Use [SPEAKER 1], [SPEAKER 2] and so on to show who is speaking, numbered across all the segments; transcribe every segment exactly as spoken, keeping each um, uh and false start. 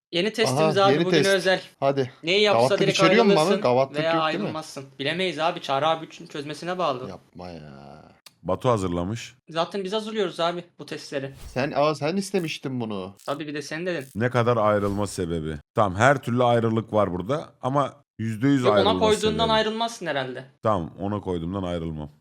[SPEAKER 1] Yeni testimiz
[SPEAKER 2] Aha,
[SPEAKER 1] abi
[SPEAKER 2] yeni
[SPEAKER 1] bugün
[SPEAKER 2] test.
[SPEAKER 1] özel.
[SPEAKER 2] Hadi.
[SPEAKER 1] Neyi yapsa
[SPEAKER 2] Gavatlık
[SPEAKER 1] direkt
[SPEAKER 2] içeriyor mu
[SPEAKER 1] ayrılırsın
[SPEAKER 2] abi? Gavatlık
[SPEAKER 1] veya
[SPEAKER 2] yok değil mi?
[SPEAKER 1] ayrılmazsın. Bilemeyiz abi. Çağrı abi için çözmesine bağlı.
[SPEAKER 2] Yapma ya.
[SPEAKER 3] Batu hazırlamış.
[SPEAKER 1] Zaten biz hazırlıyoruz abi bu testleri.
[SPEAKER 2] Sen aa sen istemiştin bunu.
[SPEAKER 1] Tabii bir de sen dedin.
[SPEAKER 3] Ne kadar ayrılma sebebi? Tamam, her türlü ayrılık var burada ama yüzde yüz
[SPEAKER 1] Yok
[SPEAKER 3] ayrılma
[SPEAKER 1] ona koyduğundan
[SPEAKER 3] sebebi.
[SPEAKER 1] ayrılmazsın herhalde.
[SPEAKER 3] Tamam, ona koyduğumdan ayrılmam.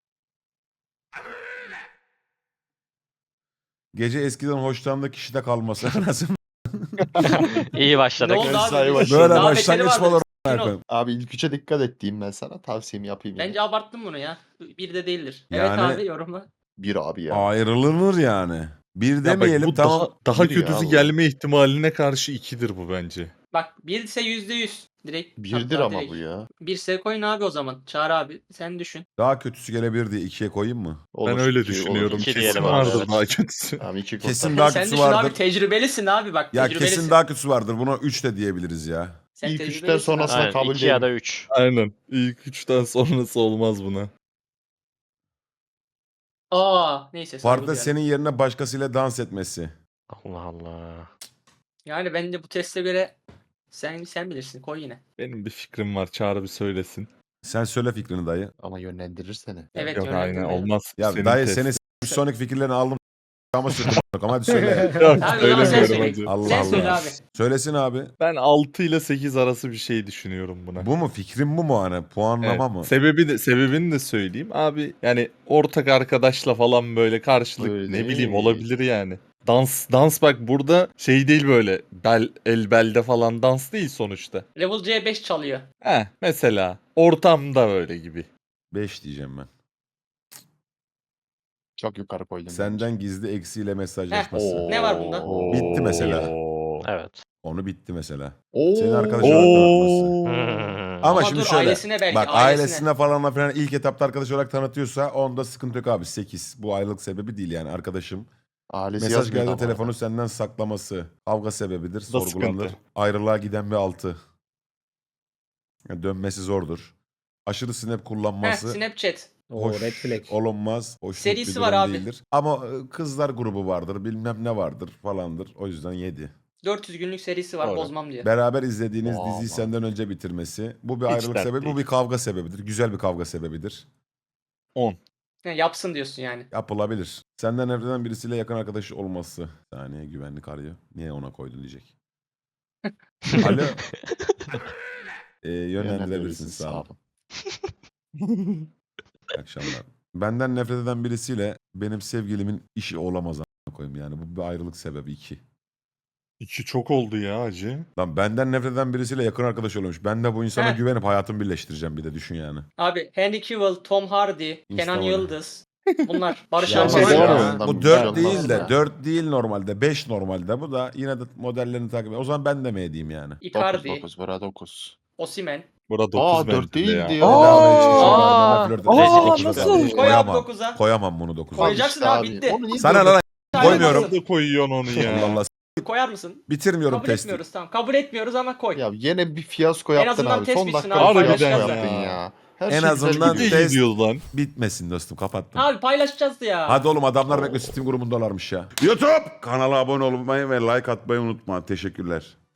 [SPEAKER 3] Gece eskiden hoşlandığı kişide kalması. Anasını
[SPEAKER 4] İyi başladık.
[SPEAKER 1] Ne oldu
[SPEAKER 2] Mesai
[SPEAKER 1] abi?
[SPEAKER 2] başladı.
[SPEAKER 3] Böyle
[SPEAKER 1] Daha
[SPEAKER 3] başlangıç
[SPEAKER 1] beteri
[SPEAKER 3] mı olur?
[SPEAKER 1] vardı. Sakin ol.
[SPEAKER 3] koyayım?
[SPEAKER 2] Abi ilk üçe dikkat et diyeyim ben sana. Tavsiyemi yapayım yine.
[SPEAKER 1] Bence abarttın bunu ya. Bir de değildir. Evet
[SPEAKER 3] Yani-
[SPEAKER 1] abi yorumla.
[SPEAKER 2] Bir abi ya.
[SPEAKER 3] Ayrılınır yani. Bir
[SPEAKER 5] Ya bak,
[SPEAKER 3] demeyelim
[SPEAKER 5] bu
[SPEAKER 3] tamam.
[SPEAKER 5] daha, daha
[SPEAKER 2] Bir ya
[SPEAKER 5] kötüsü
[SPEAKER 2] bu.
[SPEAKER 5] gelme ihtimaline karşı ikidir bu bence.
[SPEAKER 1] Bak bir ise yüzde yüz. Direkt.
[SPEAKER 2] Birdir
[SPEAKER 1] hatta
[SPEAKER 2] ama
[SPEAKER 1] direkt.
[SPEAKER 2] bu ya.
[SPEAKER 1] Bir ise koyun abi o zaman. Çağrı abi sen düşün.
[SPEAKER 3] Daha kötüsü gelebilir diye ikiye koyayım mı?
[SPEAKER 2] Olur,
[SPEAKER 5] ben öyle
[SPEAKER 2] iki
[SPEAKER 5] düşünüyorum.
[SPEAKER 2] olur.
[SPEAKER 4] İki
[SPEAKER 5] Kesin
[SPEAKER 4] diyelim abi,
[SPEAKER 5] vardır
[SPEAKER 4] evet.
[SPEAKER 5] daha kötüsü.
[SPEAKER 2] Tamam iki
[SPEAKER 3] Kesin
[SPEAKER 2] kurtar.
[SPEAKER 3] daha
[SPEAKER 1] sen
[SPEAKER 3] kötüsü
[SPEAKER 1] düşün
[SPEAKER 3] vardır.
[SPEAKER 1] abi tecrübelisin abi bak.
[SPEAKER 3] Ya
[SPEAKER 1] tecrübelisin.
[SPEAKER 3] kesin daha kötüsü vardır. Buna üç de diyebiliriz ya.
[SPEAKER 1] Sen
[SPEAKER 2] İlk
[SPEAKER 1] tecrübelisin
[SPEAKER 2] üçten
[SPEAKER 1] abi.
[SPEAKER 2] sonrası- Aslında
[SPEAKER 4] Aynen,
[SPEAKER 2] kabul
[SPEAKER 4] iki ya
[SPEAKER 2] değilim.
[SPEAKER 4] da üç.
[SPEAKER 5] Aynen. İlk üçten sonrası olmaz buna.
[SPEAKER 1] Aa neyse. saygı
[SPEAKER 3] Partide
[SPEAKER 1] duyarım.
[SPEAKER 3] senin yerine başkasıyla dans etmesi.
[SPEAKER 4] Allah Allah.
[SPEAKER 1] Yani bence bu teste göre sen sen bilirsin koy yine.
[SPEAKER 5] Benim bir fikrim var. Çağrı bir söylesin.
[SPEAKER 3] Sen söyle fikrini dayı.
[SPEAKER 2] Ama yönlendirir seni.
[SPEAKER 1] Evet
[SPEAKER 5] Yok aynen
[SPEAKER 1] yönlendirmeyelim.
[SPEAKER 5] olmaz.
[SPEAKER 3] Ya
[SPEAKER 5] Senin
[SPEAKER 3] dayı
[SPEAKER 5] test.
[SPEAKER 3] seni s- sonraki fikirlerini aldım. Ama sürdüm. Ama hadi söyle.
[SPEAKER 5] Yok
[SPEAKER 1] Abi o zaman sen
[SPEAKER 5] söylemiyorum
[SPEAKER 1] söyle.
[SPEAKER 5] hacı.
[SPEAKER 3] Allah
[SPEAKER 1] Sen
[SPEAKER 3] Allah.
[SPEAKER 1] söyle abi.
[SPEAKER 3] Söylesin abi.
[SPEAKER 5] Ben altı ile sekiz arası bir şey düşünüyorum buna.
[SPEAKER 3] Bu mu fikrim bu mu hani? Puanlama
[SPEAKER 5] Evet,
[SPEAKER 3] mı?
[SPEAKER 5] Sebebi de, sebebini de söyleyeyim. Abi yani ortak arkadaşla falan böyle karşılık
[SPEAKER 2] Öyle
[SPEAKER 5] ne
[SPEAKER 2] değil.
[SPEAKER 5] bileyim olabilir yani. Dans dans bak burada şey değil böyle bel el belde falan dans değil sonuçta.
[SPEAKER 1] Level C beş çalıyor.
[SPEAKER 5] Heh mesela ortamda böyle gibi.
[SPEAKER 3] beş diyeceğim ben.
[SPEAKER 2] Çok yukarı koydum.
[SPEAKER 3] Senden gizli eksiyle mesajlaşması.
[SPEAKER 2] Oo.
[SPEAKER 1] Ne var bunda?
[SPEAKER 3] Bitti mesela.
[SPEAKER 5] Oo.
[SPEAKER 4] Evet.
[SPEAKER 3] Onu bitti mesela.
[SPEAKER 2] Oo.
[SPEAKER 3] Senin arkadaşın olarak tanıtması.
[SPEAKER 5] Oo.
[SPEAKER 4] Hmm.
[SPEAKER 3] Ama,
[SPEAKER 1] Ama
[SPEAKER 3] şimdi
[SPEAKER 1] dur,
[SPEAKER 3] şöyle.
[SPEAKER 1] ailesine belki,
[SPEAKER 3] bak
[SPEAKER 1] ailesine.
[SPEAKER 3] ailesine falan filan ilk etapta arkadaş olarak tanıtıyorsa onda sıkıntı yok abi. sekiz. Bu ayrılık sebebi değil yani arkadaşım.
[SPEAKER 2] Ailesi
[SPEAKER 3] Mesaj
[SPEAKER 2] yazmıyor
[SPEAKER 3] geldi
[SPEAKER 2] ama
[SPEAKER 3] telefonu
[SPEAKER 2] arada.
[SPEAKER 3] senden saklaması. Kavga sebebidir.
[SPEAKER 5] da
[SPEAKER 3] Sorgulanır.
[SPEAKER 5] sıkıntı.
[SPEAKER 3] Ayrılığa giden bir altı. Yani dönmesi zordur. Aşırı snap
[SPEAKER 1] Heh,
[SPEAKER 3] kullanması.
[SPEAKER 1] Snapchat.
[SPEAKER 6] Oo,
[SPEAKER 3] hoş
[SPEAKER 6] red flag.
[SPEAKER 3] olunmaz. Hoşnut
[SPEAKER 1] Serisi
[SPEAKER 3] bir
[SPEAKER 1] var
[SPEAKER 3] durum
[SPEAKER 1] abi.
[SPEAKER 3] değildir. Ama e, kızlar grubu vardır. Bilmem ne vardır falandır. O yüzden yedi.
[SPEAKER 1] dört yüz günlük serisi var
[SPEAKER 5] Doğru.
[SPEAKER 1] bozmam diyor.
[SPEAKER 3] Beraber izlediğiniz
[SPEAKER 2] Aa,
[SPEAKER 3] diziyi
[SPEAKER 2] aman.
[SPEAKER 3] senden önce bitirmesi. Bu bir
[SPEAKER 5] Hiç
[SPEAKER 3] ayrılık
[SPEAKER 5] dert
[SPEAKER 3] sebebi. Bu
[SPEAKER 5] değil.
[SPEAKER 3] bir kavga sebebidir. Güzel bir kavga sebebidir.
[SPEAKER 5] on.
[SPEAKER 1] Ha, yapsın diyorsun yani.
[SPEAKER 3] Yapılabilir. Senden nefret birisiyle yakın arkadaşı olması. Bir saniye güvenlik arıyor. Niye ona koydun diyecek. Alo. Ee, yönlendirebilirsin sağ ol. İyi akşamlar. Benden nefret eden birisiyle benim sevgilimin işi olamaz a**ına koyayım yani. Bu bir ayrılık sebebi iki.
[SPEAKER 5] İki çok oldu ya hacı.
[SPEAKER 3] Lan benden nefret eden birisiyle yakın arkadaş oluyormuş. Ben de bu insana
[SPEAKER 1] Heh.
[SPEAKER 3] güvenip hayatımı birleştireceğim bir de düşün yani.
[SPEAKER 1] Abi Henry Cavill, Tom Hardy, Kenan
[SPEAKER 3] Instagram.
[SPEAKER 1] Yıldız. Bunlar Barış
[SPEAKER 3] Ya
[SPEAKER 1] Alman
[SPEAKER 2] şey
[SPEAKER 1] var
[SPEAKER 2] var
[SPEAKER 1] ya.
[SPEAKER 2] mı?
[SPEAKER 3] bu
[SPEAKER 2] Bir
[SPEAKER 3] dört
[SPEAKER 2] şey
[SPEAKER 3] değil
[SPEAKER 2] olmaz
[SPEAKER 3] de
[SPEAKER 2] ya.
[SPEAKER 3] dört değil normalde beş normalde bu da yine de modellerini takip ediyor. O zaman ben de mi edeyim yani?
[SPEAKER 2] dokuz
[SPEAKER 1] Icardi,
[SPEAKER 2] dokuz. Bura dokuz.
[SPEAKER 1] Osimhen.
[SPEAKER 5] Burada
[SPEAKER 2] Aa
[SPEAKER 5] dokuz
[SPEAKER 2] dört
[SPEAKER 5] bence de
[SPEAKER 2] değildi
[SPEAKER 5] ya.
[SPEAKER 2] ya.
[SPEAKER 3] Bedava hiçbir şey
[SPEAKER 4] Aa,
[SPEAKER 3] var. Bana flört
[SPEAKER 4] aa,
[SPEAKER 3] edecek.
[SPEAKER 4] nasıl?
[SPEAKER 3] Koyamam.
[SPEAKER 1] Koy abi dokuza.
[SPEAKER 3] Koyamam bunu dokuza.
[SPEAKER 2] Al
[SPEAKER 1] Koyacaksın
[SPEAKER 2] işte
[SPEAKER 1] abi, bitti.
[SPEAKER 2] Onu niye
[SPEAKER 3] Sana
[SPEAKER 2] böyle-
[SPEAKER 3] lan
[SPEAKER 1] Koyamazsın.
[SPEAKER 3] koymuyorum.
[SPEAKER 5] Nerede koyuyorsun onu
[SPEAKER 3] Allah
[SPEAKER 5] ya?
[SPEAKER 3] Allah.
[SPEAKER 1] Koyar mısın?
[SPEAKER 3] Bitirmiyorum
[SPEAKER 1] Kabul
[SPEAKER 3] testi.
[SPEAKER 1] etmiyoruz tamam. Kabul etmiyoruz ama koy.
[SPEAKER 2] Ya yine bir fiyasko
[SPEAKER 1] En
[SPEAKER 2] yaptın
[SPEAKER 1] azından
[SPEAKER 2] abi.
[SPEAKER 1] test
[SPEAKER 2] Son
[SPEAKER 1] bitsin
[SPEAKER 2] dakika
[SPEAKER 1] abi,
[SPEAKER 2] bir fiyasko
[SPEAKER 5] paylaşacağız
[SPEAKER 2] yaptın
[SPEAKER 5] ya.
[SPEAKER 2] ya. Her
[SPEAKER 3] En
[SPEAKER 2] şey güzel
[SPEAKER 3] azından
[SPEAKER 2] gidiyor.
[SPEAKER 5] Ne
[SPEAKER 3] test-
[SPEAKER 5] gidiyoruz lan?
[SPEAKER 3] Bitmesin dostum kapattım.
[SPEAKER 1] Abi paylaşacağız ya.
[SPEAKER 3] Hadi oğlum adamlar bekle Steam grubundalarmış ya. YouTube kanala abone olmayı ve like atmayı unutma. Teşekkürler.